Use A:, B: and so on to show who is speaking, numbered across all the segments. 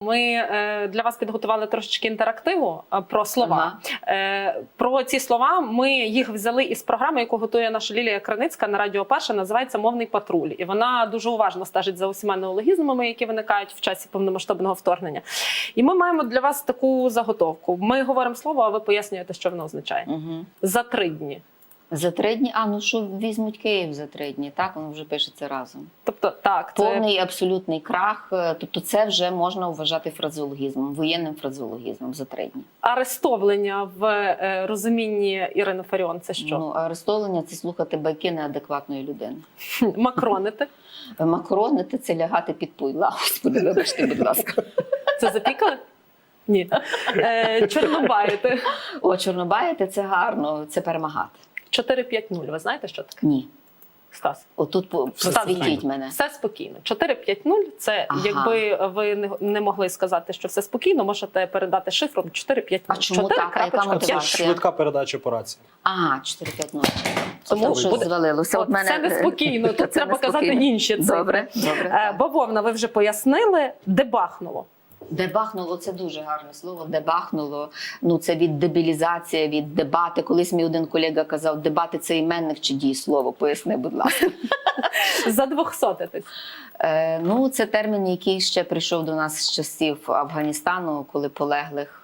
A: ми для вас підготували трошечки інтерактиву про слова. Про ці слова ми їх взяли із програми, яку готує наша Лілія Криницька на Радіо Перше, називається «Мовний патруль». І вона дуже уважно стежить за усіма неологізмами, які виникають в часі повномасштабного вторгнення. І ми маємо для вас таку заготовку. Ми говоримо слово, а ви пояснюєте, що воно означає. За 3 дні.
B: За 3 дні? Ну що візьмуть Київ за 3 дні, так? Воно вже пишеться разом.
A: Тобто, так.
B: Повний абсолютний крах, тобто це вже можна вважати фразеологізмом, воєнним фразеологізмом за 3 дні.
A: Арестовлення в розумінні Ірини Фаріон – це що?
B: Арестовлення – це слухати байки неадекватної людини.
A: Макронити?
B: Макронити – це лягати під пуйла. Господи, вибачте, будь ласка.
A: Це запікали? Ні. Чорнобаїти?
B: Чорнобаїти – це гарно, це перемагати.
A: 4-5-0. Ви знаєте, що таке?
B: Ні.
A: Стас?
B: Отут просвітіть мене.
A: Все спокійно. 4-5-0 – це, якби ви не могли сказати, що все спокійно, можете передати шифром 4-5-0.
B: А чому так? А яка мотивація?
C: Швидка передача по рації.
B: 4-5-0.
A: Тому
B: щось звалилося.
A: Це неспокійно, тут треба казати інші цифри.
B: Добре.
A: Бавовна, ви вже пояснили, дебахнуло.
B: Дебахнуло – це дуже гарне слово. Дебахнуло, це від дебілізація, від дебати. Колись мій один колега казав, дебати – це іменник чи дієслово? Поясни, будь ласка.
A: Задвохсотитись.
B: Це термін, який ще прийшов до нас з часів Афганістану, коли полеглих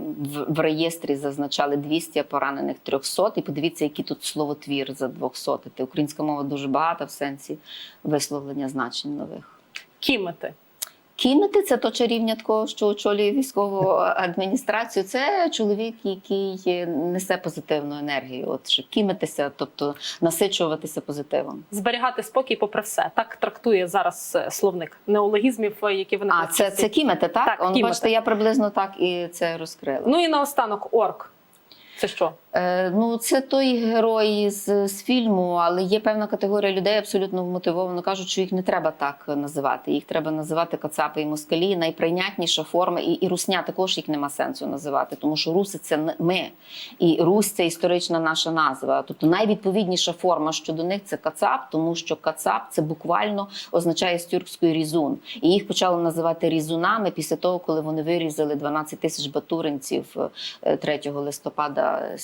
B: в реєстрі зазначали 200, а поранених 300. І подивіться, який тут словотвір задвохсотити. Українська мова дуже багата в сенсі висловлення значень нових.
A: Кімити.
B: Кімити – це то чарівня такого, що очолює військову адміністрацію. Це чоловік, який несе позитивну енергію. От, щоб кімитися, тобто насичуватися позитивом.
A: Зберігати спокій попри все. Так трактує зараз словник неологізмів, які виникають.
B: Це кімити, так?
A: Так, кімити.
B: Бачите, я приблизно так і це розкрила.
A: І наостанок орк. Це що?
B: Це той герой з фільму, але є певна категорія людей абсолютно вмотивовано кажуть, що їх не треба так називати. Їх треба називати кацапи і москалі. Найприйнятніша форма, і русня також їх нема сенсу називати, тому що руси – це ми. І Русь – це історична наша назва. Тобто найвідповідніша форма щодо них – це кацап, тому що кацап – це буквально означає з тюркської різун. І їх почали називати різунами після того, коли вони вирізали 12 тисяч батуринців 3 листопада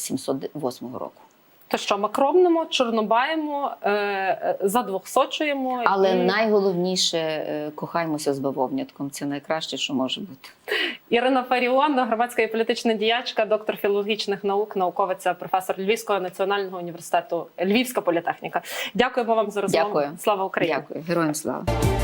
B: 708 року.
A: То що, макромнемо, чорнобаємо, задвохсочуємо.
B: Але найголовніше – кохаймося з бавовнятком. Це найкраще, що може бути.
A: Ірина Фаріон, громадська і політична діячка, доктор філологічних наук, науковиця, професор Львівського національного університету, Львівська політехніка. Дякуємо вам за розмову.
B: Дякую.
A: Слава Україні!
B: Дякую. Героям слава!